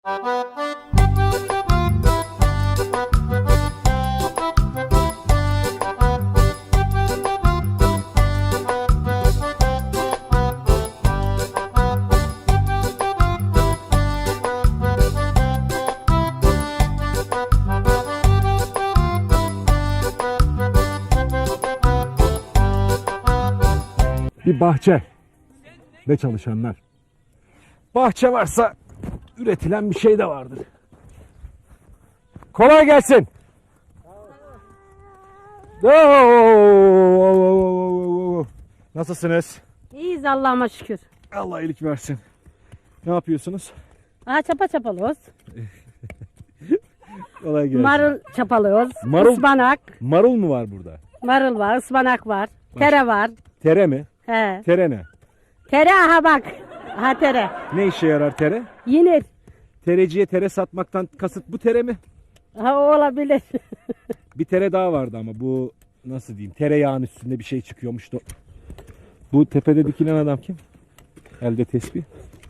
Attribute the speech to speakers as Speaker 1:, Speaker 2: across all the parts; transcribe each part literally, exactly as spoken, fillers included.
Speaker 1: Bir bahçe ve çalışanlar. Bahçe varsa üretilen bir şey de vardır. Kolay gelsin. Nasılsınız?
Speaker 2: İyiyiz Allah'ıma şükür.
Speaker 1: Allah iyilik versin. Ne yapıyorsunuz?
Speaker 2: Aha çapa çapalıyoruz.
Speaker 1: Kolay gelsin.
Speaker 2: Marul çapalıyoruz.
Speaker 1: Marul-
Speaker 2: Ispanak.
Speaker 1: Marul mu var burada?
Speaker 2: Marul var, ıspanak var. Tere var.
Speaker 1: Tere mi?
Speaker 2: He.
Speaker 1: Tere ne?
Speaker 2: Tere aha bak. Aha tere.
Speaker 1: Ne işe yarar tere?
Speaker 2: Yenir.
Speaker 1: Tereciye tere satmaktan kasıt bu tere mi?
Speaker 2: Ha o olabilir.
Speaker 1: Bir tere daha vardı ama bu nasıl diyeyim, tereyağın üstünde bir şey çıkıyormuş da. Bu tepede dikilen adam kim? Elde tesbih.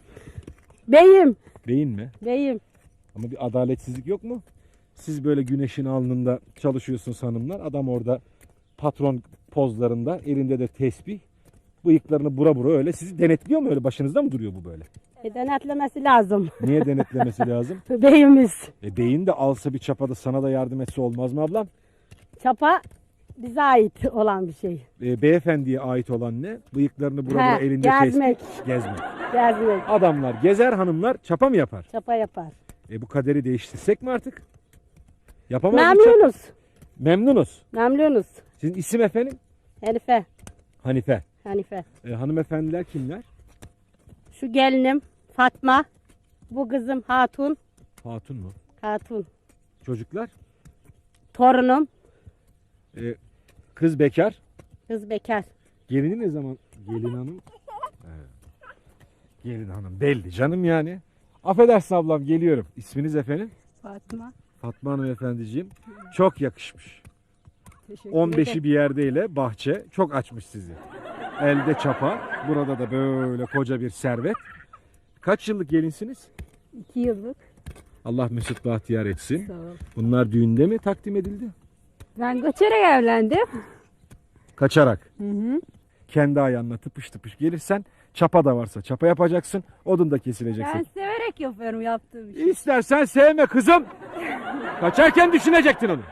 Speaker 2: Beyim.
Speaker 1: Beyin mi?
Speaker 2: Beyim.
Speaker 1: Ama bir adaletsizlik yok mu? Siz böyle güneşin alnında çalışıyorsunuz hanımlar. Adam orada patron pozlarında, elinde de tesbih. Bıyıklarını bura bura öyle. Sizi denetliyor mu öyle? Başınızda mı duruyor bu böyle?
Speaker 2: E, denetlemesi lazım.
Speaker 1: Niye denetlemesi lazım?
Speaker 2: Beyimiz.
Speaker 1: E beyin de alsa bir çapada sana da yardım etse olmaz mı ablam?
Speaker 2: Çapa bize ait olan bir şey.
Speaker 1: E, beyefendiye ait olan ne? Bıyıklarını bura bura
Speaker 2: He,
Speaker 1: elinde
Speaker 2: gezmek.
Speaker 1: tesbih. Gezmek.
Speaker 2: Gezmek.
Speaker 1: Adamlar gezer, hanımlar çapa mı yapar?
Speaker 2: Çapa yapar.
Speaker 1: E bu kaderi değiştirsek mi artık? Yapamaz mı çapa?
Speaker 2: Memnunuz.
Speaker 1: Memnunuz.
Speaker 2: Memnunuz.
Speaker 1: Sizin isim efendim?
Speaker 2: Hanife.
Speaker 1: Hanife.
Speaker 2: Hanife.
Speaker 1: E, hanımefendiler kimler?
Speaker 2: Şu gelinim Fatma. Bu kızım Hatun.
Speaker 1: Hatun mu?
Speaker 2: Hatun.
Speaker 1: Çocuklar?
Speaker 2: Torunum.
Speaker 1: E, kız bekar.
Speaker 2: Kız bekar.
Speaker 1: Gelini ne zaman? Gelin hanım. He. Gelin hanım belli canım yani. Affedersin ablam, geliyorum. İsminiz efendim?
Speaker 2: Fatma.
Speaker 1: Fatma Hanım efendiciğim. Çok yakışmış.
Speaker 2: Teşekkür
Speaker 1: on beşi bir yerdeyle bahçe çok açmış sizi. Elde çapa. Burada da böyle koca bir servet. Kaç yıllık gelinsiniz?
Speaker 2: İki yıllık.
Speaker 1: Allah mesut bahtiyar etsin.
Speaker 2: Sağ ol.
Speaker 1: Bunlar düğünde mi takdim edildi?
Speaker 2: Ben göçerek evlendim.
Speaker 1: Kaçarak.
Speaker 2: Hı hı.
Speaker 1: Kendi ayağınla tıpış tıpış gelirsen, çapa da varsa çapa yapacaksın. Odun da kesileceksin.
Speaker 2: Ben severek yapıyorum yaptığım işi.
Speaker 1: İstersen sevme kızım. Kaçarken düşünecektin onu.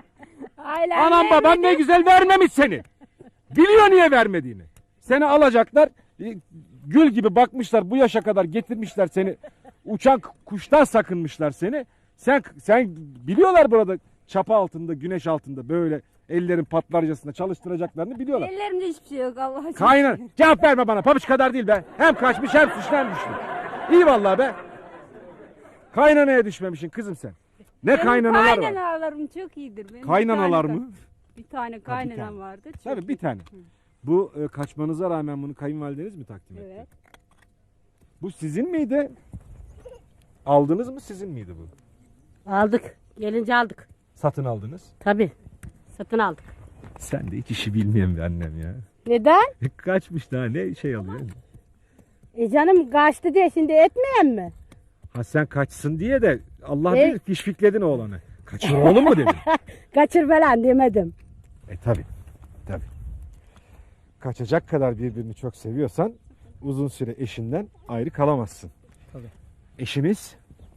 Speaker 2: Ailem
Speaker 1: Anam baban ne güzel vermemiş seni. Biliyor niye vermediğini. Seni alacaklar. e, Gül gibi bakmışlar, bu yaşa kadar getirmişler seni. Uçan kuştan sakınmışlar seni. Sen sen biliyorlar burada çapa altında, güneş altında böyle ellerin patlarcasında çalıştıracaklarını biliyorlar.
Speaker 2: Ellerimde hiçbir şey yok Allah aşkına.
Speaker 1: Kaynar. Cevap verme bana. Pabuç kadar değil be. Hem kaçmış hem suçlu hem düştü. İyi vallahi be. Kaynanaya düşmemişsin kızım sen. Ne
Speaker 3: Benim
Speaker 1: kaynanalar var.
Speaker 3: kaynanalarım çok iyidir. Benim bir
Speaker 1: Kaynanalar
Speaker 3: tane-
Speaker 1: mı?
Speaker 3: Bir tane kaynanam
Speaker 1: tane.
Speaker 3: vardı. Çok
Speaker 1: Tabii bir
Speaker 3: iyi.
Speaker 1: tane. Bu e, kaçmanıza rağmen bunu kayınvalideniz mi takdim etti?
Speaker 3: Evet.
Speaker 1: Bu sizin miydi? Aldınız mı, sizin miydi bu?
Speaker 2: Aldık. Gelince aldık.
Speaker 1: Satın aldınız.
Speaker 2: Tabii. Satın aldık.
Speaker 1: Sen de hiç işi bilmeyen bir annem ya.
Speaker 2: Neden?
Speaker 1: Kaçmış daha ne şey alıyor.
Speaker 2: E canım kaçtı diye şimdi etmeyen mi?
Speaker 1: Ha sen kaçsın diye de Allah
Speaker 2: E-
Speaker 1: bilir fişfikledin oğlanı. Kaçır oğlum mu dedin?
Speaker 2: Kaçır falan demedim.
Speaker 1: E tabi. Tabi. Kaçacak kadar birbirini çok seviyorsan uzun süre eşinden ayrı kalamazsın.
Speaker 2: Tabii.
Speaker 1: Eşiniz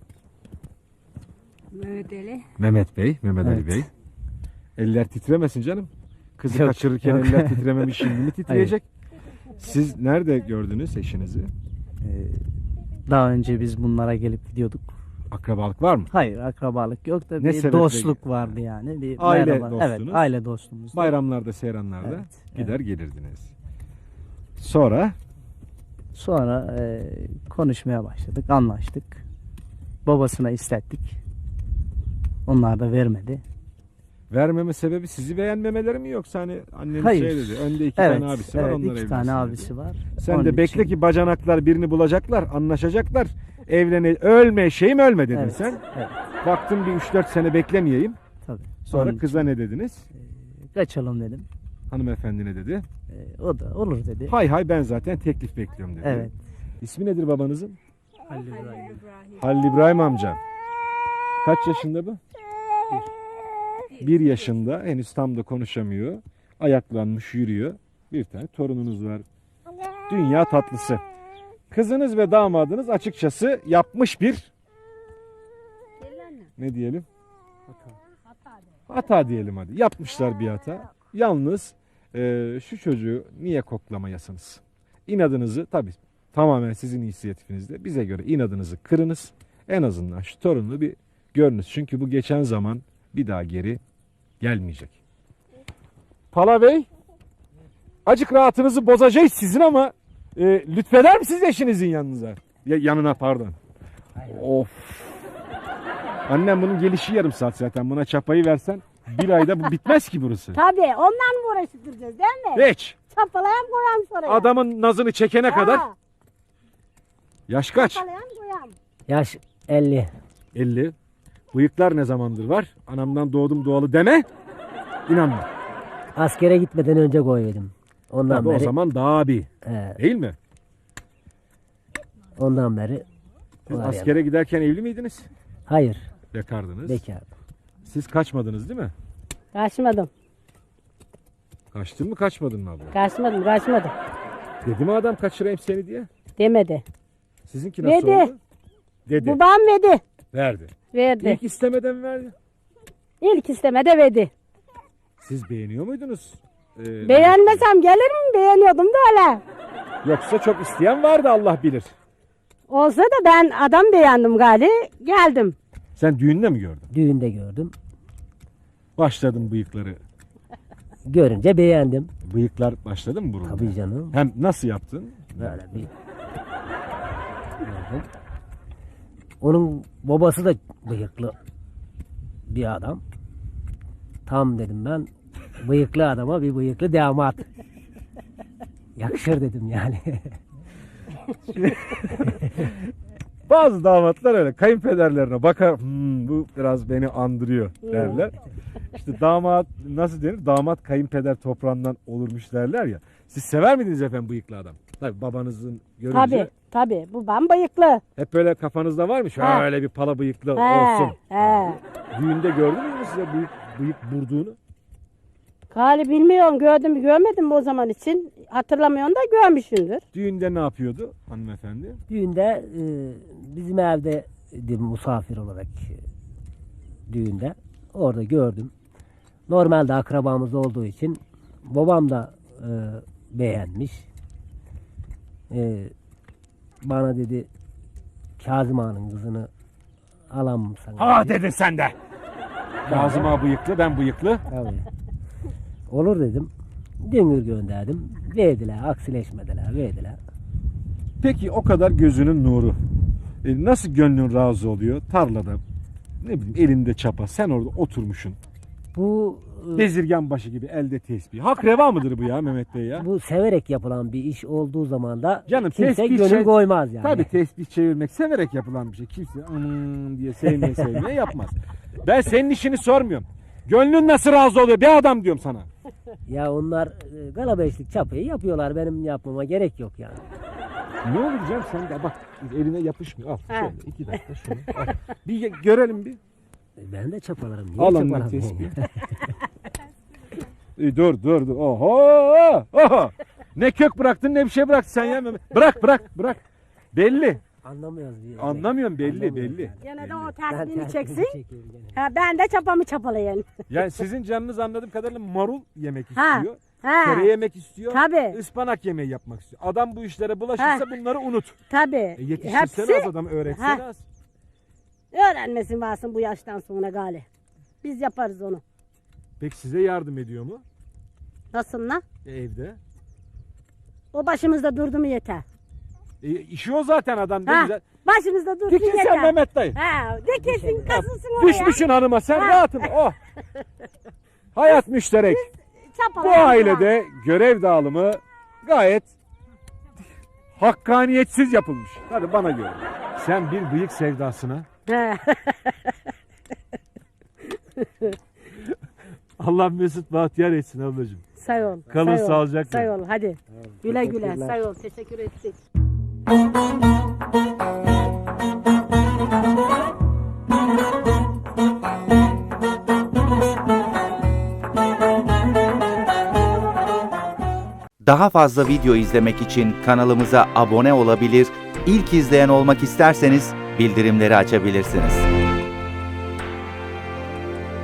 Speaker 3: Mehmet Ali.
Speaker 1: Mehmet Bey, Mehmet Ali
Speaker 4: Evet.
Speaker 1: Bey. Eller titremesin canım. Kızı
Speaker 4: Yok,
Speaker 1: kaçırırken
Speaker 4: yok.
Speaker 1: eller titrememiş, şimdi mi titreyecek? Siz nerede gördünüz eşinizi?
Speaker 4: Ee, daha önce biz bunlara gelip gidiyorduk.
Speaker 1: Akrabalık var mı?
Speaker 4: Hayır, akrabalık yok da
Speaker 1: Ne
Speaker 4: bir
Speaker 1: sebeple-
Speaker 4: dostluk vardı yani. Bir
Speaker 1: Aile
Speaker 4: merhaba.
Speaker 1: dostunuz.
Speaker 4: Evet, aile dostumuz.
Speaker 1: Bayramlarda, seyranlarda
Speaker 4: Evet,
Speaker 1: gider gelirdiniz. Sonra
Speaker 4: Sonra e, konuşmaya başladık, anlaştık. Babasına istettik. Onlar da vermedi.
Speaker 1: vermeme sebebi sizi beğenmemeleri mi, yoksa hani anneniz
Speaker 4: Hayır.
Speaker 1: şey dedi, önde iki
Speaker 4: Evet,
Speaker 1: tane abisi var,
Speaker 4: evet
Speaker 1: onlar
Speaker 4: iki
Speaker 1: evlensin
Speaker 4: tane
Speaker 1: dedi.
Speaker 4: abisi var.
Speaker 1: Sen
Speaker 4: Onun
Speaker 1: de bekle
Speaker 4: için-
Speaker 1: ki bacanaklar birini bulacaklar, anlaşacaklar. Evlene, ölme şeyim ölme dedin
Speaker 4: Evet,
Speaker 1: sen.
Speaker 4: evet,
Speaker 1: Baktım bir üç dört sene beklemeyeyim.
Speaker 4: tabii.
Speaker 1: Sonra
Speaker 4: Onun
Speaker 1: kıza ne dediniz?
Speaker 4: için kaçalım dedim.
Speaker 1: Hanımefendi ne dedi?
Speaker 4: E, o da olur dedi.
Speaker 1: Hay hay ben zaten teklif bekliyorum dedi.
Speaker 4: Evet.
Speaker 1: İsmi nedir babanızın?
Speaker 4: Halil İbrahim.
Speaker 3: İbrahim.
Speaker 1: Halil İbrahim amca. Kaç yaşında bu? Bir yaşında. Henüz tam da konuşamıyor. Ayaklanmış yürüyor. Bir tane torununuz var. Dünya tatlısı. Kızınız ve damadınız açıkçası yapmış bir ne diyelim? Hata diyelim hadi. Yapmışlar bir hata. Yalnız e, şu çocuğu niye koklamayasınız? İnadınızı tabii tamamen sizin inisiyatifinizde. Bize göre inadınızı kırınız. En azından şu torununu bir görünüz. Çünkü bu geçen zaman bir daha geri gelmeyecek. Pala Bey, acık rahatınızı bozacağız sizin ama e, lütfeder misiniz eşinizin yanınıza? Ya, yanına pardon. Of. Annem bunun gelişi yarım saat zaten. Buna çapayı versen bir ayda bu bitmez ki burası.
Speaker 2: Tabii ondan mı uğraştıracağız değil mi?
Speaker 1: Hiç.
Speaker 2: Çapalayan koyam sonra.
Speaker 1: Adamın nazını çekene kadar.
Speaker 2: Ha,
Speaker 1: Yaş kaç?
Speaker 2: çapalayan koyam.
Speaker 4: Yaş elli.
Speaker 1: elli. Bıyıklar ne zamandır var? Anamdan doğdum doğalı deme. İnanma.
Speaker 4: Askere gitmeden önce koyuyordum. Ondan
Speaker 1: Tabii o
Speaker 4: beri.
Speaker 1: zaman daha bir.
Speaker 4: He,
Speaker 1: Değil mi?
Speaker 4: ondan beri.
Speaker 1: Siz
Speaker 4: var
Speaker 1: askere giderken evli miydiniz?
Speaker 4: yani. Hayır.
Speaker 1: Bekardınız.
Speaker 4: Bekar.
Speaker 1: Siz kaçmadınız değil mi?
Speaker 2: Kaçmadım.
Speaker 1: Kaçtın mı kaçmadın mı abla?
Speaker 2: Kaçmadım kaçmadım.
Speaker 1: Dedi mi adam kaçırayım seni diye?
Speaker 2: Demedi.
Speaker 1: Sizinki nasıl
Speaker 2: Dedi.
Speaker 1: oldu? Dedi.
Speaker 2: Babam verdi.
Speaker 1: Verdi.
Speaker 2: Verdi.
Speaker 1: İlk istemeden verdi.
Speaker 2: İlk istemede verdi.
Speaker 1: Siz beğeniyor muydunuz? Ee,
Speaker 2: Beğenmesem gelir mi? Beğeniyordum da öyle.
Speaker 1: Yoksa çok isteyen vardı Allah bilir.
Speaker 2: Olsa da ben adam beğendim gali. Geldim.
Speaker 1: Sen düğünde mi gördün?
Speaker 4: Düğünde gördüm.
Speaker 1: Başladın bıyıkları.
Speaker 4: Görünce beğendim.
Speaker 1: Bıyıklar başladı mı burunda?
Speaker 4: Tabii canım.
Speaker 1: Hem nasıl yaptın?
Speaker 4: Böyle bir gördüm. Onun babası da bıyıklı bir adam. Tam dedim ben bıyıklı adama bir bıyıklı damat. Yakışır dedim yani.
Speaker 1: Bazı damatlar öyle kayınpederlerine bakar, "Hmm, bu biraz beni andırıyor" derler. İşte damat nasıl denir? Damat kayınpeder toprağından olurmuş derler ya. Siz sever miydiniz efendim bıyıklı adam? Tabii babanızın görünce
Speaker 2: Tabii tabii. Babam bıyıklı.
Speaker 1: hep böyle kafanızda var mı?
Speaker 2: Ha.
Speaker 1: Şöyle bir pala bıyıklı
Speaker 2: He,
Speaker 1: olsun.
Speaker 2: he.
Speaker 1: Düğünde gördünüz mü size bıyık, bıyık burduğunu?
Speaker 2: Gali bilmiyorum gördüm mü görmedim mi o zaman için. Hatırlamıyorum da görmüşsündür.
Speaker 1: Düğünde ne yapıyordu hanımefendi?
Speaker 4: Düğünde e, bizim evde misafir olarak e, düğünde orada gördüm. Normalde akrabamız olduğu için babam da e, beğenmiş. E, bana dedi Kazım Ağa'nın kızını alan mı sana?
Speaker 1: Ha dedin sen de. Kazım Ağa bıyıklı, ben bıyıklı.
Speaker 4: Tabii. Olur dedim. Düngür gönderdim. Verdiler, aksileşmediler, verdiler.
Speaker 1: Peki o kadar gözünün nuru. E, nasıl gönlün razı oluyor? Tarlada ne bileyim elinde çapa, sen orada oturmuşsun.
Speaker 4: Bu e,
Speaker 1: Bezirgan başı gibi elde tesbih. Hak reva mıdır bu ya Mehmet Bey ya?
Speaker 4: bu severek yapılan bir iş olduğu zaman da
Speaker 1: Canım,
Speaker 4: kimse
Speaker 1: tesbih
Speaker 4: gönül
Speaker 1: şey-
Speaker 4: koymaz yani.
Speaker 1: Tabii tesbih çevirmek severek yapılan bir şey. Kimse "Aman" diye sevmeye sevmeye yapmaz. Ben senin işini sormuyorum. Gönlün nasıl razı oluyor bir adam diyorum sana.
Speaker 4: Ya onlar e, galabeşlik çapayı yapıyorlar. Benim yapmama gerek yok yani.
Speaker 1: Ne olacak sen de bak eline yapışmıyor. Al
Speaker 2: Ha.
Speaker 1: şöyle iki dakika şunu. Al. Bir ye- görelim bir.
Speaker 4: E, Ben de çapalarım. Niye
Speaker 1: Al ondan
Speaker 4: çapalamayayım
Speaker 1: tesbih.
Speaker 4: ya?
Speaker 1: E, dur dur dur. Oho! Oho! Ne kök bıraktın ne bir şey bıraktın sen ya Mehmet. Bırak bırak bırak. Belli.
Speaker 4: Anlamıyoruz. diye.
Speaker 1: Anlamıyorum belli
Speaker 4: Anlamıyoruz
Speaker 1: belli.
Speaker 4: yani.
Speaker 2: Gene de o
Speaker 4: Ben
Speaker 2: tersliğini
Speaker 4: tersini
Speaker 2: çeksin.
Speaker 4: çekeyim gene.
Speaker 2: Ha, ben de çapamı çapalayayım.
Speaker 1: Yani sizin canınız anladığım kadarıyla marul yemek
Speaker 2: Ha.
Speaker 1: istiyor.
Speaker 2: Ha.
Speaker 1: Kere yemek istiyor.
Speaker 2: Tabii.
Speaker 1: Ispanak yemeği yapmak istiyor. Adam bu işlere bulaşırsa
Speaker 2: Ha.
Speaker 1: bunları unut.
Speaker 2: Tabii.
Speaker 1: E, yetiştirsene
Speaker 2: Hepsi
Speaker 1: az adam öğretsene
Speaker 2: Ha.
Speaker 1: az.
Speaker 2: öğrenmesin varsın bu yaştan sonra gali. Biz yaparız onu.
Speaker 1: Peki size yardım ediyor mu?
Speaker 2: Nasıl lan?
Speaker 1: E, evde.
Speaker 2: O başımızda durdu mu yeter.
Speaker 1: E, işi o zaten adam ne
Speaker 2: Ha.
Speaker 1: güzel.
Speaker 2: Başımızda dursun
Speaker 1: Dikin
Speaker 2: yeter.
Speaker 1: sen Mehmet dayı.
Speaker 2: Ha, dikilsin kasılsın oraya.
Speaker 1: Düşmüşsün hanıma sen
Speaker 2: Ha.
Speaker 1: rahatım. Oh. Hayat müşterek. Bu
Speaker 2: Çapalayalım.
Speaker 1: ailede görev dağılımı gayet hakkaniyetsiz yapılmış. Hadi bana göre. Sen bir bıyık sevdasına
Speaker 2: Ha.
Speaker 1: Allah mesut bahtiyar etsin ablacığım.
Speaker 2: Say ol.
Speaker 1: Kalın
Speaker 2: say ol,
Speaker 1: sağlıcakla.
Speaker 2: Say ol hadi. Güle güle
Speaker 4: Teşekkürler.
Speaker 2: say ol. Teşekkür ettik.
Speaker 5: Daha fazla video izlemek için kanalımıza abone olabilir, ilk izleyen olmak isterseniz bildirimleri açabilirsiniz.